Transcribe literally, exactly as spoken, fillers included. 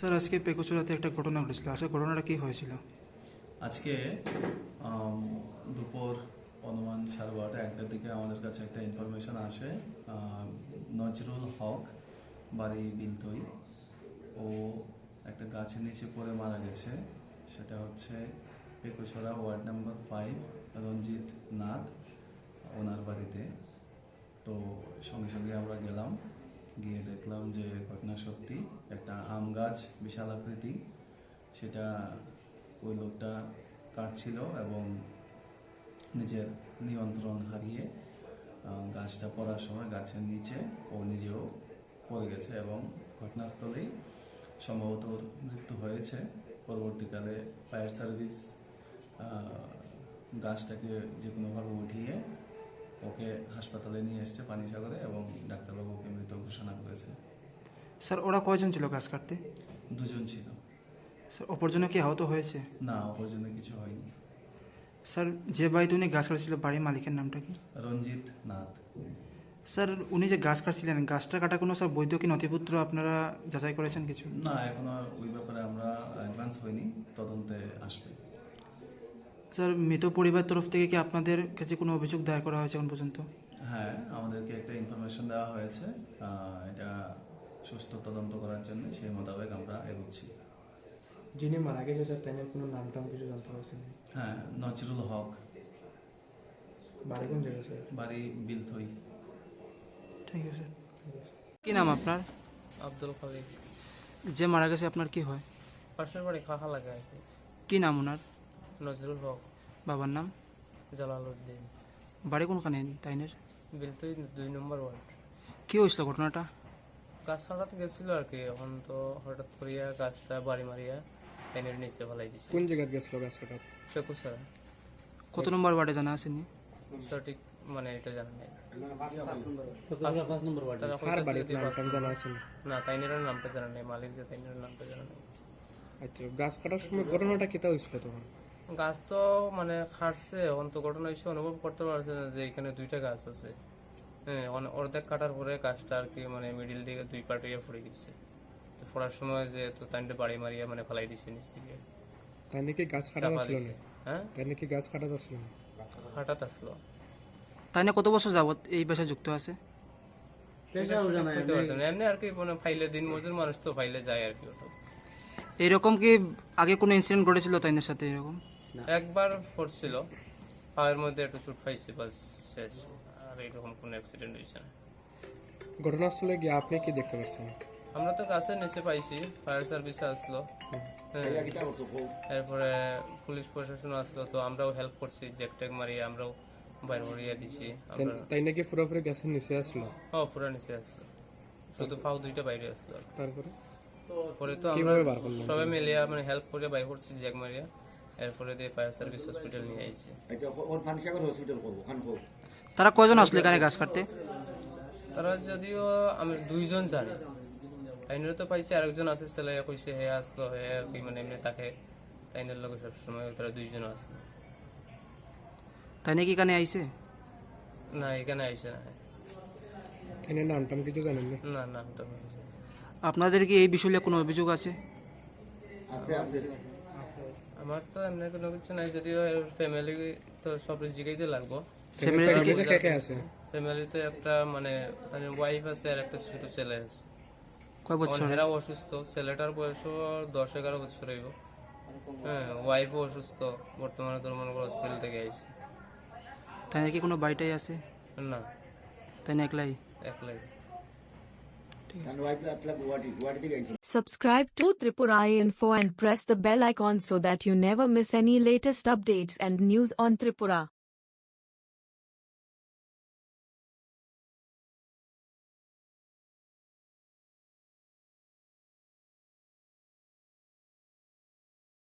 Sir আজকে পেকুচুরাতে একটা ঘটনা ঘটেছিল, আসলে ঘটনাটা কি হয়েছিল? আজকে আম, দুপুর অনুমান সাড়ে বারোটা একটার দিকে আমাদের কাছে একটা ইনফরমেশন আসে। আম, নজরুল হক, বাড়ি বিলতই, ও একটা গাছের নিচে পড়ে মারা গেছে। সেটা হচ্ছে Pekuchhara ward number five, Ranjit Nath, ওনার বাড়িতে। তো সঙ্গে সঙ্গে আমরা গেলাম, গিয়ে দেখলাম যে ঘটনা সত্যি। একটা আম গাছ বিশাল আকৃতি, সেটা ওই লোকটা কাটছিল এবং নিজের নিয়ন্ত্রণ হারিয়ে আহ, গাছটা পড়ার সময় গাছের নিচে ও নিজেও পড়ে গেছে এবং ঘটনাস্থলেই সম্ভবত ওর মৃত্যু হয়েছে। পরবর্তীকালে ফায়ার সার্ভিস গাছটাকে যে কোনোভাবে উঠিয়ে ওকে হাসপাতালে নিয়ে এসছে পানিসাগরে এবং ডাক্তারবাবু ওকে মৃত ঘোষণা করেছে। স্যার ওরা কয়জন ছিল গাছ কাটতে? দুজন ছিল। স্যার অপরজনে কি আহত হয়েছে? না, অপরজনে কিছু হয়নি। স্যার যে বাড়িতে উনি গাছ কাটছিল বাড়ির মালিকের নামটা কি? রঞ্জিত নাথ। স্যার উনি যে গাছ কাটছিলেন, গাছটা কাটা কোনো স্যার বৈধ কি নথিপত্র আপনারা যাচাই করেছেন কিছু? না, এখনো ওই ব্যাপারে আমরা অ্যাডভান্স হয়নি, তদন্তে আসবে। স্যার মৃত পরিবারের তরফ থেকে কি আপনাদের কাছে কোনো অভিযোগ দায়ের করা হয়েছে এখন পর্যন্ত? হ্যাঁ, আমাদেরকে একটা ইনফরমেশন দেওয়া হয়েছে, আহ, এটা সুস্থ তদন্ত করার জন্য, সেই মোতাবেক আমরা এগোচ্ছি। যিনি মারা গেছে স্যার তাদের কোনো নাম টাম কিছু জানতে পারছেন? হ্যাঁ, নজরুল হক, বাড়ি কোন জায়গায় স্যার? বাড়ি বিলথই। ঠিক আছে স্যার। কি নাম আপনার? আব্দুল খালিক। যে মারা গেছে আপনার কি হয়? পাশের বাড়ি খাখা লাগে আর কি। কি নাম ওনার? নজরুল হক। বাবার নাম? জালালউদ্দিন। বাড়ি কোনখানে তাইনের? বিলতুই দুই নম্বর ওয়ার্ড। কি হয়েছিল ঘটনাটা? গাছ ছাড়াতে গেছিল আর কি, এখন তো হঠাৎ করিয়া গাছটা বাড়ি মারিয়া ট্রেনের নিচে ফেলাই দিছে। কোন জায়গায় গেছিল গাছ কাটা? পেকুছাড়া। কত নম্বর ওয়ার্ডে জানা আসেনি? সঠিক মানে এটা জানা নেই। তারা কার কইতাছে বাড়ির যে নাম পাঁচ টাম নম্বর। জানা আছে না? না, তাইনের নামটা জানা নেই, মালিক যে তাইনের নামটা জানা নেই। আচ্ছা, গাছ কাটার সময় ঘটনাটা কেটা হয়েছিল তখন? গাছ তো মানে খাটছে, এখন তো ঘটনা হিসেবে অনুভব করতে পারছে না যে এখানে দুইটা গাছ আছে। হ্যাঁ, অনে- অর্ধেক কাটার পরে গাছটা আর কি মানে মিডিল দিকে দুই পার্ট হয়ে পড়ে গেছে। তো পড়ার সময় যে তো তাইনটা বাড়ি মারিয়া মানে ফেলাই দিছে নিচ থেকে। তাই নাকি গাছ কাটা চাপা যাচ্ছিল দিছে। না? হ্যাঁ, তাই নাকি গাছ কাটা যাচ্ছিল না? হঠাৎ আসলো। তাই না কত বছর যাবত এই পেশায় যুক্ত আছে? বুঝতে পারতাম না। এমনি আর কি মানে ফাইলে দিন মজুর মানুষ তো ফাইলে যায় আর কি। ওটা এরকম কি আগে কোনো ইনসিডেন্ট ঘটেছিল তাইনের সাথে এরকম? একবার পড়ছিল, পায়ের মধ্যে একটু চোট পাইছে, বাস শেষ। আর এরকম কোনো অ্যাক্সিডেন্ট হয়েছে না। ঘটনাস্থলে গিয়ে আপনি কি দেখতে পাচ্ছেন? আমরা তো কাছে নিচে পাইছি, ফায়ার সার্ভিসে আসলো। হ্যাঁ, এরপরে পুলিশ প্রশাসন আসলো, তো আমরাও হেল্প করছি, জ্যাক ট্যাক মারিয়ে আমরাও বাইর করিয়ে দিছি আমরা। তাই- তাই নাকি পুরোপুরি গাছের নিচে আসলো? ও পুরো নিচে আসলো, শুধু পাও দুইটা বাইরে আসলো। তারপরে পরে তো আমরা কিভাবে বার করলেন? সবাই মিলিয়া মানে হেল্প করে বাইর করছি জ্যাক মারিয়া। এরপরে দিয়ে ফায়ার সার্ভিস হসপিটাল নিয়ে আইছি। তারা কয়জন আসলো এখানে গাছ কাটতে? তারা যদিও আমি দুইজন জানি, তাইনের তো পাইছি, আরেকজন আছে ছেলে কইছে হে আসলো, হে আর কি মানে এমনি তাকে তাইনের লোক সবসময় তারা দুইজন আসলো। তাই নাকি এখানে আইছে? না, এখানে আইসে না। এনে নাম টাম কিছু জানেন না? না, নামটা বলছে। আপনাদের কি এই বিষয়ে কোনো অভিযোগ আছে? আমার তো এমনি কোনো কিছু নাই, যদিও ফ্যামিলি তো সব জিগাইতে লাগবো। ফ্যামিলি থেকে ফ্যামিলিতে কে কে আছে? ফ্যামিলিতে একটা মানে তার ওয়াইফ আছে আর একটা ছোট ছেলে আছে। কয় বছর? এরাও অসুস্থ, ছেলেটার বয়সও দশ এগারো বছর হইব। হ্যাঁ, ওয়াইফও অসুস্থ, বর্তমানে তোর মনে করো হসপিটাল থেকে আইছে। তাই নাকি কোনো বাড়িটাই আছে? না, তাই না একলাই? একলাই। Subscribe to Tripura Info and press the bell icon so that you never miss any latest updates and news on Tripura.